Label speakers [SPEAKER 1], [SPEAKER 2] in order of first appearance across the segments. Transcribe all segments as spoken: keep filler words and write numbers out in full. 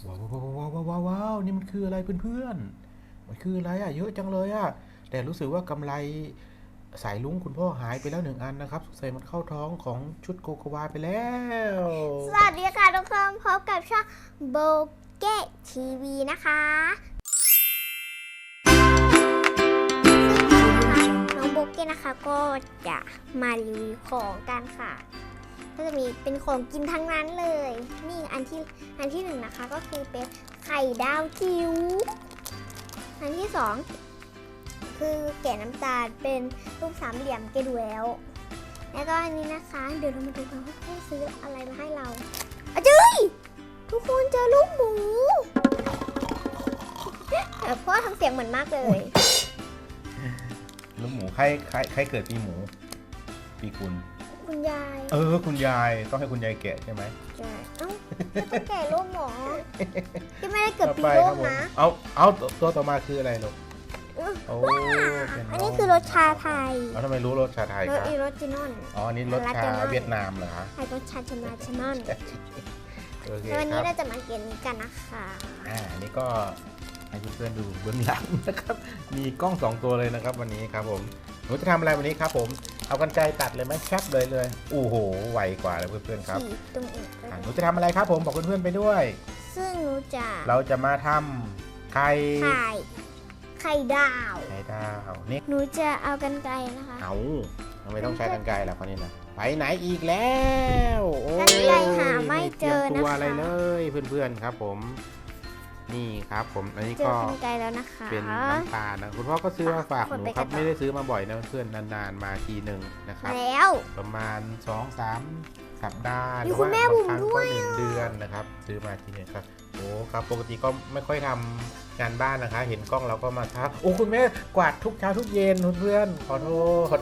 [SPEAKER 1] ว้าวว้าวว้าวว้าวว้าวนี่มันคืออะไรเพื่อนๆมันคืออะไรอ่ะเยอะจังเลยอ่ะแต่รู้สึกว่ากำไรสายลุงคุณพ่อหายไปแล้วหนึ่งอันนะครับสงสัยมันเข้าท้องของชุดโกโกวาไปแล้ว
[SPEAKER 2] สวัสดีค่ะทุกคนพบกับช่องโบเก้ทีวีนะคะซึ่งน้องโบเก้นะคะก็จะมารีวิวของกันค่ะก็จะมีเป็นของกินทั้งนั้นเลยนี่อันที่อันที่หนึ่งนะคะก็คือเป็นไข่ดาวจิ๋วอันที่สองคือแกะน้ำตาลเป็นรูปสามเหลี่ยมเกดูแล้วแล้วก็อันนี้นะคะเดี๋ยวเรามาดูกันว่าเขาซื้ออะไรมาให้เราอะจุ้ยทุกคนเจอลูกหมูเออพ่อทำเสียงเหมือนมากเลย
[SPEAKER 1] ลูกหมูใครใครใครเกิดปีหมูปีกุล
[SPEAKER 2] คุณยาย
[SPEAKER 1] เออคุณยายต้องให้คุณยายแกะใช่ไหม
[SPEAKER 2] ใช่เอ้าต้องแกะลูกหมูที่ไม่ได้เกิดปีโลกนะ
[SPEAKER 1] เอาเอาตัวต่อมาคืออะไรลูกโอ้
[SPEAKER 2] อันนี้คือรสชาไทย
[SPEAKER 1] แล้วทำไมรู้รสชาไทย
[SPEAKER 2] ร
[SPEAKER 1] ค
[SPEAKER 2] ส
[SPEAKER 1] รับ
[SPEAKER 2] อีรสจินอน
[SPEAKER 1] อ๋ออันนี้รสชาเวียดนามเหรอฮะ
[SPEAKER 2] รสชาชมาชมอน
[SPEAKER 1] โอเค
[SPEAKER 2] วันนี้เราจะมาเกมนี้กันนะคะ
[SPEAKER 1] อ่าอันนี้ก็ให้เพื่อนๆดูเบื้องหลังนะครับมีกล้องสองตัวเลยนะครับวันนี้ครับผมหนูจะทำอะไรวันนี้ครับผมเอากรรไกรตัดเลยไหมแคปเลยเลยโอ้โหไวกว่าเลยเพื่อนๆครับ
[SPEAKER 2] ตรงอีก
[SPEAKER 1] หนูจะทำอะไรครับผมบอกเพื่อนๆไปด้วย
[SPEAKER 2] ซึ่งหนูจะ
[SPEAKER 1] เราจะมาทำไข่
[SPEAKER 2] ไข่ไข่ดาว
[SPEAKER 1] ไข่ดาวนี่
[SPEAKER 2] หนูจะเอากรรไกรนะคะ
[SPEAKER 1] เอาทำไมต้องใช้กรรไกรล่ะคนนี้นะไปไหนอีกแล้ว
[SPEAKER 2] กรรไกรหาไม่เจอนะคะ
[SPEAKER 1] ตัวอะไรเลยเพื่อนๆครับผมนี่ครับผมอันนี้ก็เป็นน้ำตาลนะคุณพ่อก็ซื้อมาฝากหนูครับไม่ได้ซื้อมาบ่อยนะเพื่อนนานๆมาทีหนึ่งนะครับ
[SPEAKER 2] แล้ว
[SPEAKER 1] ประมาณ สองถึงสาม สัปดาห์หรือว่าบางครั้งก็หนึ่งเดือนนะครับซื้อมาทีนึงครับโอ้ครับปกติก็ไม่ค่อยทำงานบ้านนะคะเห็นกล้องเราก็มาทักโอ้คุณแม่กวาดทุกเช้าทุกเย็นเพื่อนขอโทษ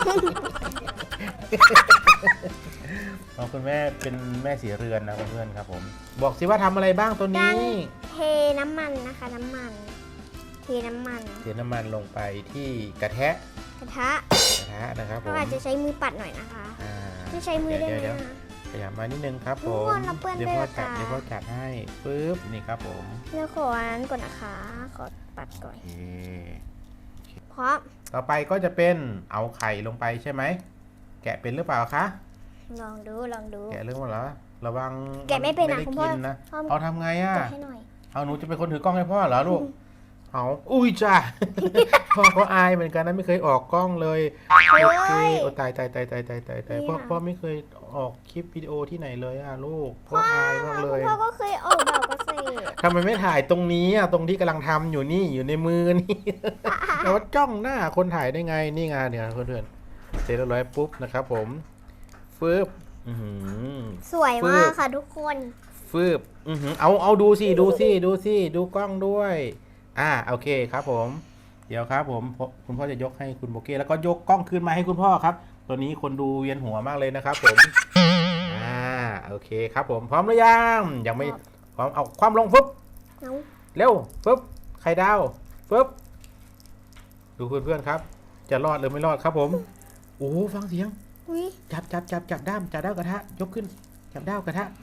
[SPEAKER 1] น้องคุณแม่เป็นแม่สีเรือนนะเพื่อนๆครับผมบอกสิว่าทำอะไรบ้างตัวนี้
[SPEAKER 2] เทน้ำมันนะคะน้ำมันเทน้ำมัน
[SPEAKER 1] เทน้ำมันลงไปที่กระทะ
[SPEAKER 2] กระทะ
[SPEAKER 1] กระทะนะครับผม
[SPEAKER 2] เราอาจจะใช้มือปัดหน่อยนะคะไม่ใช้มือได้ไหม
[SPEAKER 1] ขยับมานิดนึงครับผมเดี๋ยวพ่อจัดเดี๋ยวพ่อจัดให้ปึ๊บนี่ครับผม
[SPEAKER 2] เดี๋ยวขออันนั้นก่อนนะคะขอปัดก่อนเพราะ
[SPEAKER 1] ต่อไปก็จะเป็นเอาไข่ลงไปใช่ไหมแกะเป็นหรือเปล่าคะ
[SPEAKER 2] ลองดูลองดู
[SPEAKER 1] แกะเรื่องว่าเหรอระวัง
[SPEAKER 2] แกะไม่เป็นนะคุณพ่อ
[SPEAKER 1] เอาทำไงอ่ะเอาหนูจะเป็นคนถือกล้องให้พ่อเหรอลูกเอาอุ้ยจ้าพ่อก็อายเหมือนกันนะไม่เคยออกกล้องเลยโอเคโอ้ตายตายตายตายตายตายตายพ่อพ่อไม่เคยออกคลิปวิดีโอที่ไหนเลยอ่ะลูกพ่ออายมากเลย
[SPEAKER 2] พ่อก็เคยออกแบบก็เคย
[SPEAKER 1] ทำไมไม่ถ่ายตรงนี้อ่ะตรงที่กำลังทำอยู่นี่อยู่ในมือนี่แล้วจ้องหน้าคนถ่ายได้ไงนี่งานเนี่ยเพื่อนๆเสร็จแล้วร้อยปุ๊บนะครับผมฟืบ
[SPEAKER 2] สวยมากค่ะทุกคน
[SPEAKER 1] ฟืบเอาเอาดูสิดูสิดูสิดูกล้องด้วยอ่าโอเคครับผมเดี๋ยวครับผมคุณพ่อจะยกให้คุณโบเก้แล้วก็ยกกล้องคืนมาให้คุณพ่อครับตัวนี้คนดูเวียนหัวมากเลยนะครับผมอ่าโอเคครับผมพร้อมหรือยังยังไม่พร้อมเอาความลงฟึบเร็วฟึบไข่ดาวฟึบดูเพื่อนๆครับจะรอดหรือไม่รอดครับผมโอ้ฟังเสียงจับจับจับจับด้ามจับด้ามกระทะยกขึ้นจับด้ามกระทะ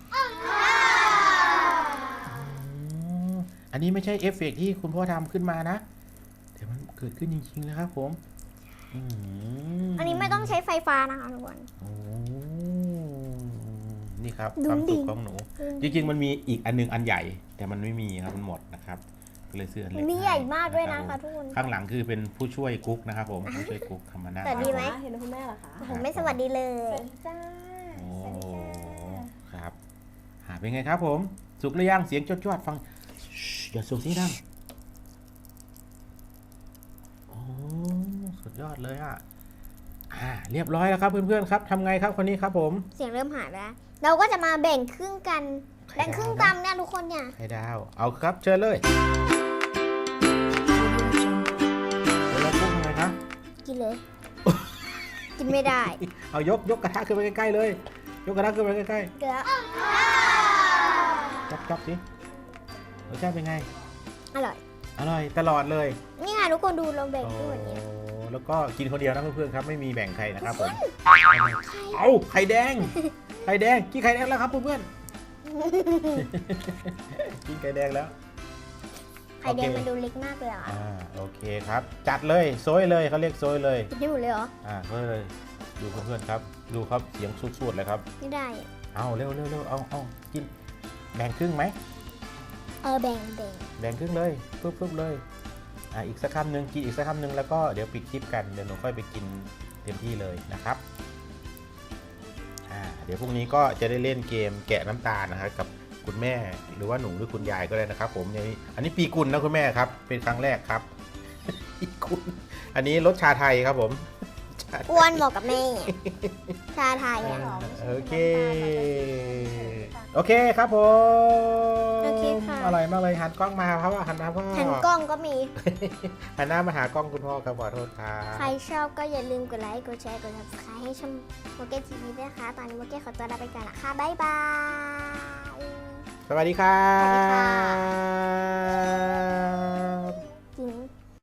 [SPEAKER 1] อันนี้ไม่ใช่เอฟเฟกต์ที่คุณพ่อทำขึ้นมานะแต่มันเกิดขึ้นจริงๆนะครับผม
[SPEAKER 2] อันนี้ไม่ต้องใช้ไฟฟ้านะคะทุกคน
[SPEAKER 1] โอ้นี่ครับความสุขของหนูจริงๆมันมีอีกอันนึงอันใหญ่แต่มันไม่มีครับมันหมดนะครับก็เลยซื้ออันเล็ก
[SPEAKER 2] นี่ใหญ่มากด้วยนะคะทุกคน
[SPEAKER 1] ข้างหลังคือเป็นผู้ช่วยกุ๊กนะครับผมผู้ช่วยกุ๊กทำมาหน้า
[SPEAKER 2] สวัสดีไหม
[SPEAKER 3] เห็นคุณแม่เหรอคะ
[SPEAKER 2] ผมไม่สวัสดีเลย
[SPEAKER 3] จ้า
[SPEAKER 1] โอ้ครับหาเป็นไงครับผมสุกหรือยังเสียงจวดๆฟังอย่าสูงสิดังโอ้สุดยอดเลยอ่ะอ่าเรียบร้อยแล้วครับเพื่อนๆครับทำไงครับคนนี้ครับผม
[SPEAKER 2] เสียงเริ่มหายแล้วเราก็จะมาแบ่งครึ่งกันแบ่งครึ่งตามเนี่ยทุกคนเนี่ย
[SPEAKER 1] ไข่ดาวเอาครับเชิญเลยแล้วพูดยังไงครับ
[SPEAKER 2] กินเลยกินไม่ได้
[SPEAKER 1] เอายกยกกระทะขึ้นไปใกล้ๆเลยยกกระทะขึ้นไปใกล้ๆ
[SPEAKER 2] เดี๋ยว
[SPEAKER 1] จับจับสิรสชาติเป็นไง
[SPEAKER 2] อร่อย
[SPEAKER 1] อร่อยตลอดเลย
[SPEAKER 2] นี่ค่ะทุกคนดูเราแบ่งด้วยเนี่ย
[SPEAKER 1] แล้วก็กินคนเดียวนะเพื่อนๆครับไม่มีแบ่งใครนะครับผมเอาไข่แดงไข่แดงกินไข่แดงแล้วครับเพื่อนๆกินไข่แดงแล้ว
[SPEAKER 2] ไข่แดง
[SPEAKER 1] โอเค
[SPEAKER 2] มันดูเล็กมากเลยอ่ะ
[SPEAKER 1] อ่าโอเคครับ จัดเลยโซยเลยเขาเรียกโซยเลย
[SPEAKER 2] กินได้หมดเลยเหรอ
[SPEAKER 1] อ่าโซยเลยดูเพื่อนๆครับ ดูครับเสียงสุดๆเลยครับ
[SPEAKER 2] ไม่ได้อะ
[SPEAKER 1] เอาเร็วเร็วเร็วเอาเอากินแบ่งครึ่งไหม
[SPEAKER 2] เออแบ่งแบ่ง
[SPEAKER 1] แบ่งครึ่งเลยปุ๊บปุ๊บเลยอ่าอีกสักคำหนึ่งกินอีกสักคำหนึ่งแล้วก็เดี๋ยวปิดคลิปกันเดี๋ยวหนูค่อยไปกินเต็มที่เลยนะครับอ่าเดี๋ยวพรุ่งนี้ก็จะได้เล่นเกมแกะน้ำตาลนะครับกับคุณแม่หรือว่าหนูหรือคุณยายก็ได้นะครับผมอันนี้อันนี้ปีกุลนะคุณแม่ครับเป็นครั้งแรกครับ ปีกุลอันนี้รสชาไทยครับผมชาไทย
[SPEAKER 2] อ้วนเหมาะกับแม่ ชาไทยอะ
[SPEAKER 1] โอเคโอเคครับผม
[SPEAKER 2] โอเคค่ะ
[SPEAKER 1] อร่อยมากเลยหันกล้องมาครับหันหน้าพ่อ
[SPEAKER 2] หันกล้องก็มี
[SPEAKER 1] หันหน้ามาหากล้องคุณพ่อครับขอโทษครับ
[SPEAKER 2] ใครชอบก็อย่าลืมกดไลค์ กดแชร์ กด ซับสไครบ์ ให้ช่องโมเกทีวีด้วยนะคะ ตอนนี้โมเกขอตัวลาไปก่อนละค่ะ บ๊ายบาย
[SPEAKER 1] สวัสดีครั
[SPEAKER 2] สวัสดีค่ะ
[SPEAKER 1] บ